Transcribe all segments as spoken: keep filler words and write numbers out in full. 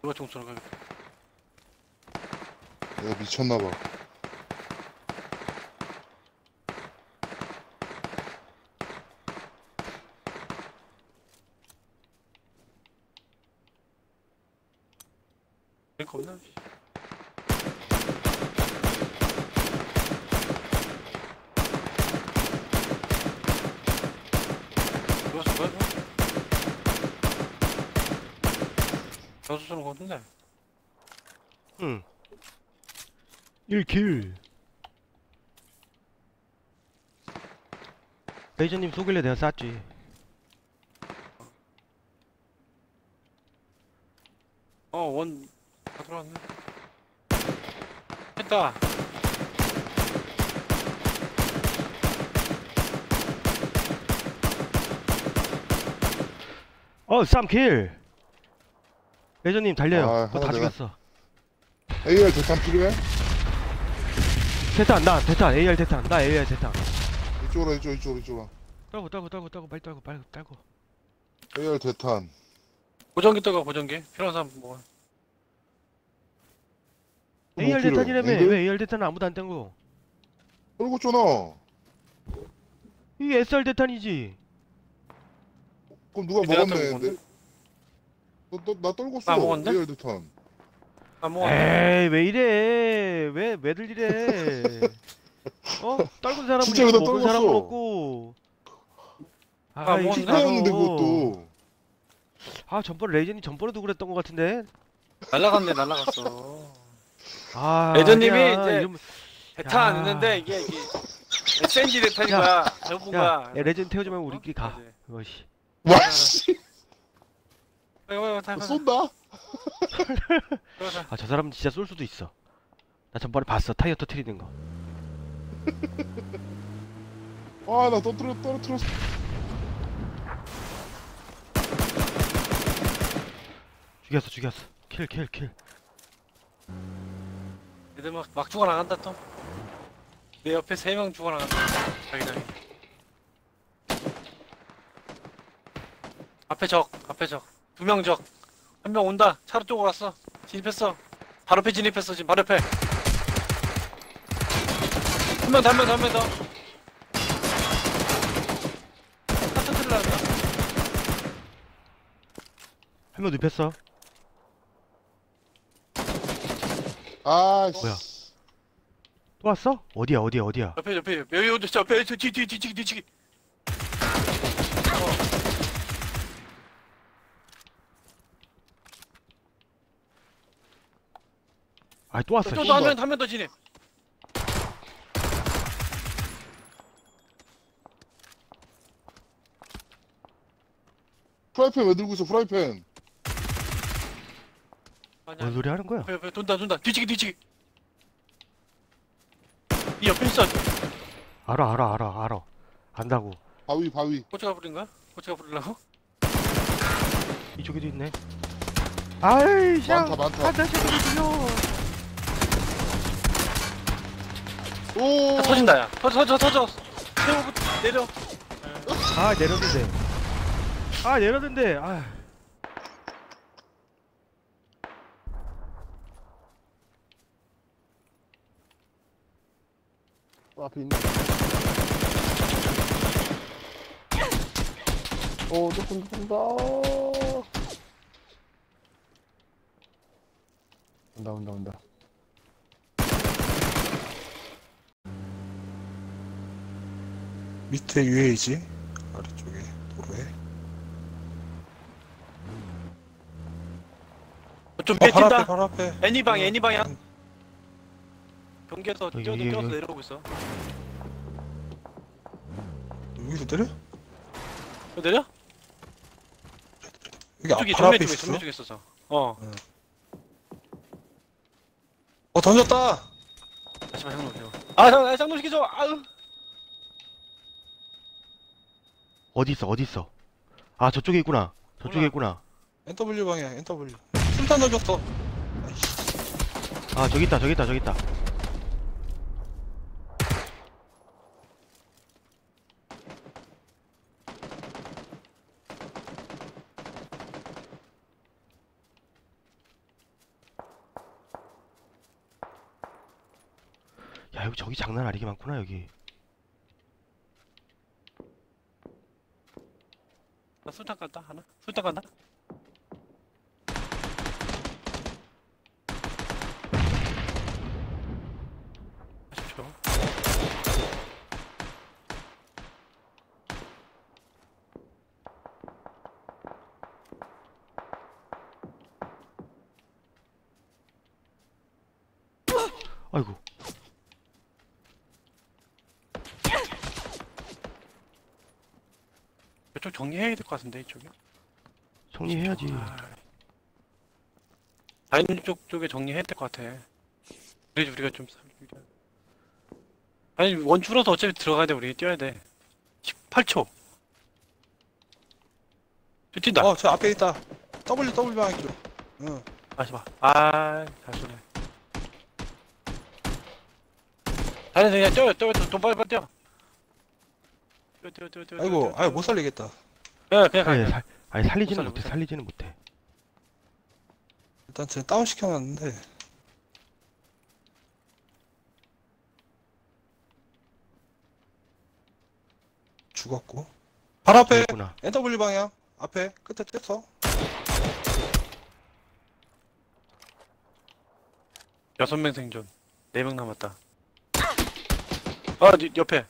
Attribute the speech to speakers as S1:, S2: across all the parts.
S1: 누가 총 쏘는 거야?
S2: 내가 미쳤나봐.
S1: 그러니까 없나? 누가 쏜 거야? 여수 쏘는 거 같은데?
S3: 응. 일 킬. 레이저님 쏘길래 내가 쐈지.
S1: 어, 원, 다 들어왔네. 했다.
S3: 어, 삼 킬. 레이저님 달려요.
S2: 아,
S3: 그거 다
S2: 하나 내가-
S3: 죽였어.
S2: 에이알 대탄 필요해?
S3: 대탄, 나 대탄, 에이알 대탄, 나 에이알 대탄.
S2: 이쪽으로 이쪽 이쪽으로 이쪽으로.
S3: 떨고, 떨고, 떨고, 떨고, 빨리 떨고, 빨리 떨고.
S2: 에이알 대탄.
S1: 보정기 떠가, 보정기. 필요한 사람 뭐.
S2: 뭐
S3: 에이알
S2: 필요해?
S3: 대탄이라며.
S2: 앵글?
S3: 왜 에이알 대탄은 아무도 안 땡고?
S2: 떨고 잖아.
S3: 이게 에스알 대탄이지.
S2: 그럼 누가
S1: 내가
S2: 먹었네.
S1: 떨고
S2: 내- 너, 너, 나 떨궜어.
S1: 나 먹었는데?
S2: 에이알 대탄.
S1: 아, 뭐.
S3: 에이, 왜 이래? 왜, 왜들 이래? 어? 떨군 사람은
S2: 진짜
S3: 있고,
S2: 그냥
S3: 먹은
S2: 떨궜어.
S3: 사람은 없고. 아,
S1: 아,
S3: 이거
S1: 먹었네.
S3: 진짜로.
S2: 필요했는데 그것도.
S3: 아, 전번에 레이전이 전번에도 그랬던 것 같은데?
S1: 날라갔네, 날라갔어.
S3: 아,
S1: 레이저님이
S3: 아니야.
S1: 이제
S3: 이러면-
S1: 대탄
S3: 야.
S1: 있는데, 이게, 이게. 에스엔지 대탄인
S3: 야.
S1: 거야. 전부
S3: 야,
S1: 거야.
S3: 야, 레이전 태우지 말고 우리끼리 가.
S1: 이제.
S3: 이거씨.
S2: 와 씨.
S1: 빨리, 빨리, 빨리, 빨리.
S2: 쏜다.
S1: 빨리, 빨리.
S3: 아, 저 사람은 진짜 쏠 수도 있어. 나 전번에 봤어. 타이어 터트리는 거.
S2: 아나 떨어뜨려 떨어뜨렸어.
S3: 죽였어, 죽였어. 킬, 킬, 킬.
S1: 애들 막, 막 죽어나간다, 또. 내 옆에 세 명 죽어나간다. 자기장이. 앞에 적, 앞에 적. 두 명 적. 한 명 온다. 차로 쪽으로 왔어. 진입했어. 바로 옆에 진입했어, 지금 바로 옆에. 한 명 더, 한 명 더, 한 명 더. 차 터트리려 한다.
S3: 한 명 눕혔어.
S2: 아
S3: 뭐야?
S2: 씨.
S3: 또 왔어? 어디야, 어디야, 어디야?
S1: 옆에, 옆에, 옆에, 여기 어디 있어? 옆에, 뒤, 뒤, 뒤, 뒤치기, 뒤치기.
S3: 아, 또 왔어.
S1: 또,
S3: 씨.
S1: 또 한 명, 한 명 더 진입.
S2: 프라이팬 왜 들고 있어 프라이팬.
S1: 아니야.
S3: 뭔 소리 하는 거야?
S1: 옆에, 옆에, 돈다, 돈다. 뒤치기, 뒤치기. 이 옆에 있어.
S3: 알아, 알아, 알아, 알아. 안다고.
S2: 바위 바위.
S1: 코치가 부린 거야? 코치가 부리려고?
S3: 이쪽에도 있네. 아이, 샤.
S2: 많다 많다.
S3: 한대 새끼들 들려.
S2: 오.
S1: 아, 터진다, 야. 터져, 터져, 터져. 세우고 내려.
S3: 아, 내렸는데. 아, 내렸는데. 아.
S2: 앞에 있네. 오, 조금 쏜다. 온다, 온다, 온다.
S4: 밑에 유에이지 아래쪽에 도로에
S1: 좀
S4: 어, 바로
S1: 뺏긴다.
S4: 앞에 바로 앞에
S1: 애니방, 애니방이야. 경계에서
S3: 여기,
S1: 뛰어서
S3: 여기,
S1: 뛰어서
S3: 여기.
S1: 내려오고 있어.
S4: 여기서 내려?
S1: 너 내려?
S4: 여기 앞,
S1: 저기
S4: 바로
S1: 정면
S4: 앞에
S1: 쪽에,
S4: 있었어?
S1: 정면 쪽에 있어서. 어.
S4: 어 던졌다!
S1: 잠시만, 형 놓으세요. 아, 형, 아, 쌍놈 시켜줘. 아유.
S3: 어디 있어, 어디 있어? 아, 저쪽에 있구나. 저쪽에
S1: 몰라.
S3: 있구나.
S4: 엔더블유 방향 엔더블유 술탄 던졌어. 아이씨.
S3: 아, 저기 있다, 저기 있다, 저기 있다. 야 여기 저기 장난 아니게 많구나 여기.
S1: 나 술탄 간다 하나. 술탄 간다. 아십시오.
S3: 아이고.
S1: 이쪽 정리해야 될 것 같은데 이쪽이.
S3: 정리해야지.
S1: 다른 쪽 쪽에 정리해야 될 것 같아. 그래야지 우리가 좀 살리자. 아니 원줄어도 어차피 들어가야 돼. 우리 뛰어야 돼. 십팔 초. 저 뛴다.
S4: 어, 저 앞에 있다. W, W 방향 쪽. 응.
S1: 다시 봐. 아, 잘 쏘네. 다른 그냥 뛰어, 뛰어, 뛰어, 돈 빨리 빨리 뛰어. 뛰어, 뛰어, 뛰어, 뛰어.
S4: 아이고,
S1: 뛰어,
S4: 아유, 못 살리겠다.
S1: 뛰어. 그냥, 그냥 가.
S3: 아니,
S1: 그냥.
S3: 살, 아니 살리지는
S1: 못 살려,
S3: 못해.
S1: 못 살려.
S3: 살리지는 못해.
S4: 일단 쟤 다운 시켜놨는데. 죽었고. 발 앞에
S3: 있구나.
S4: 엔더블유 방향. 앞에 끝에 뗐어.
S1: 여섯 명 생존. 네 명 남았다. 아, 니, 옆에.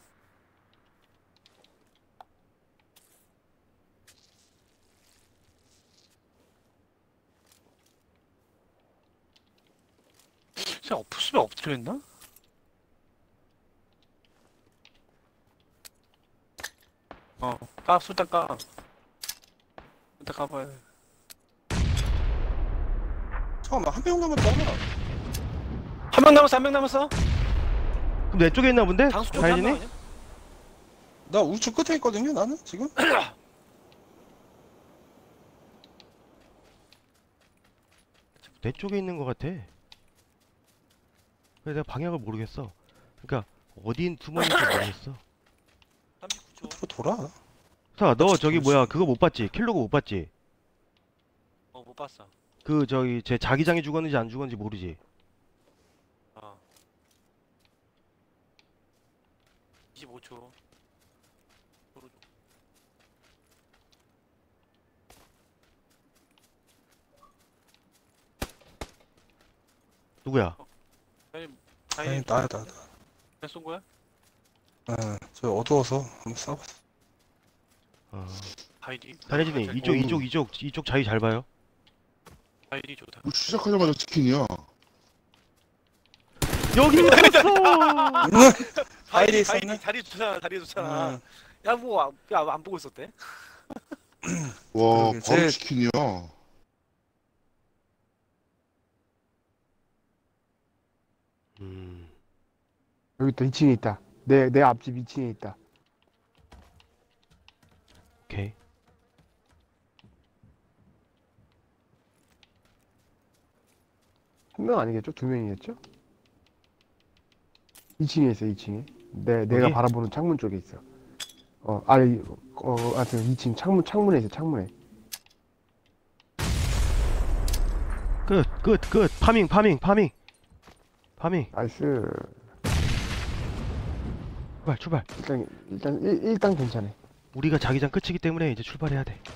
S1: 진짜 엎으면 엎드려 있나? 어, 까, 술단 까. 일단 까봐야 돼.
S4: 잠깐만, 한 명 남았잖아.
S1: 한 명 남았어, 한 명 남았어?
S3: 그럼 내 쪽에 있나 본데?
S1: 장수 쪽에 한명
S3: 다현이네?
S1: 아니야?
S4: 나 우측 끝에 있거든요, 나는 지금.
S3: 내 쪽에 있는 것 같아. 그래 내가 방향을 모르겠어. 그러니까 어디 숨어있는지 모르겠어.
S1: 삼십구 초.
S4: 앞으로 돌아.
S3: 사, 너
S4: 그치,
S3: 저기
S4: 그렇지.
S3: 뭐야 그거 못 봤지? 킬로그 못 봤지?
S1: 어, 못 봤어.
S3: 그 저기 제 자기장이 죽었는지 안 죽었는지 모르지?
S1: 어. 이십오 초. 도로 쪽.
S3: 누구야?
S1: 아니,
S4: 아니,
S1: 아니,
S4: 나야, 나, 나.
S1: 그냥 쏜 거야?
S4: 응, 저 어두워서 한번 싸봤어.
S3: 어.
S1: 바이디.
S3: 다혜진이 이쪽
S2: 어우.
S3: 이쪽 이쪽 이쪽 자리 잘 봐요.
S1: 바이디 좋다.
S2: 뭐 시작하자마자 치킨이야.
S3: 여기 있었어.
S4: 바이디 있었네?
S1: 자리 좋잖아, 자리 좋잖아.
S4: 응.
S1: 야, 뭐, 안- 야, 안 보고 있었대?
S2: 와,
S4: 그러게,
S2: 바로
S4: 제-
S2: 치킨이야.
S3: 음.
S5: 여기 있다. 이 층에 있다. 내, 내 앞집 이 층에 있다.
S3: 오케이.
S5: 한 명 아니겠죠? 두 명이겠죠? 이 층에 있어, 이 층에. 내, 내가
S3: 여기?
S5: 바라보는 창문 쪽에 있어. 어, 아니, 어, 하여튼 이 층 창문, 창문에 있어, 창문에.
S3: 끝, 끝, 끝. 파밍, 파밍, 파밍. 파밍.
S5: 나이스.
S3: 출발, 출발.
S5: 일단, 일단, 일, 일단 괜찮아.
S3: 우리가 자기장 끝이기 때문에 이제 출발해야 돼.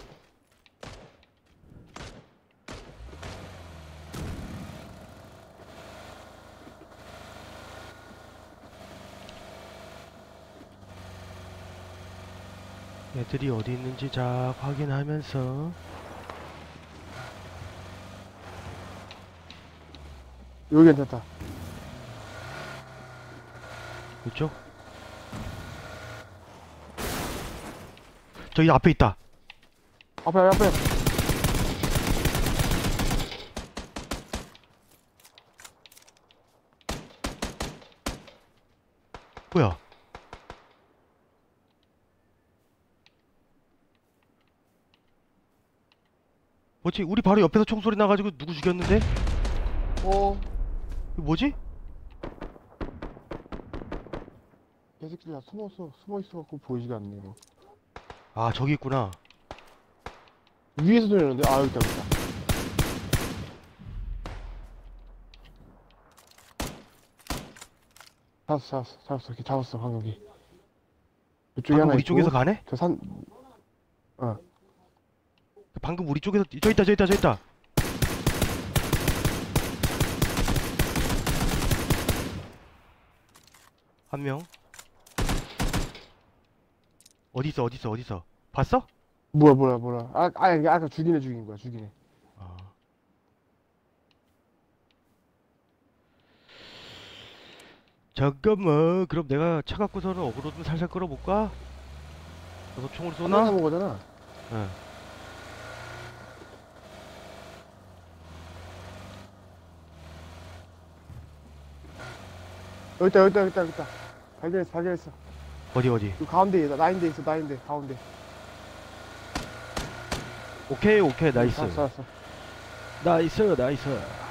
S3: 애들이 어디 있는지 자 확인하면서
S5: 여기 괜찮다.
S3: 이쪽 저기 앞에 있다.
S5: 앞에, 앞에.
S3: 뭐야? 뭐지? 우리 바로 옆에서 총소리 나가지고 누구 죽였는데?
S5: 어,
S3: 이거 뭐지?
S5: 개새끼들 다 숨었어. 숨어 있어갖고 보이지가 않네, 이거.
S3: 아 저기 있구나.
S5: 위에서 들렸는데? 아, 여기 있다, 여기 있다. 잡았어, 잡았어, 잡았어. 걔 잡았어, 방금 걔. 이쪽에
S3: 방금
S5: 하나
S3: 우리
S5: 있고,
S3: 쪽에서 가네?
S5: 저 산,
S3: 방금 우리 쪽에서 저 있다 저 있다 저 있다. 한 명. 어디 있어 어디 있어 어디 있어? 봤어?
S5: 뭐야, 뭐야, 뭐야. 아, 아, 이게 아까 죽인 애 죽인 거야, 죽인 애.
S3: 아. 잠깐만 그럼 내가 차 갖고서는 어그로 좀 살살 끌어볼까? 너도 총을
S5: 하나
S3: 쏘나?
S5: 남은 거잖아.
S3: 응.
S5: 여기 있다, 여기 있다, 여기 있다, 여기 있다. 발견했어, 발견했어.
S3: 어디 어디?
S5: 그 가운데에 있다, 나인데 있어, 나인데, 가운데.
S3: 오케이 오케이 나이스
S5: 알았어, 알았어.
S3: 나이스 나이스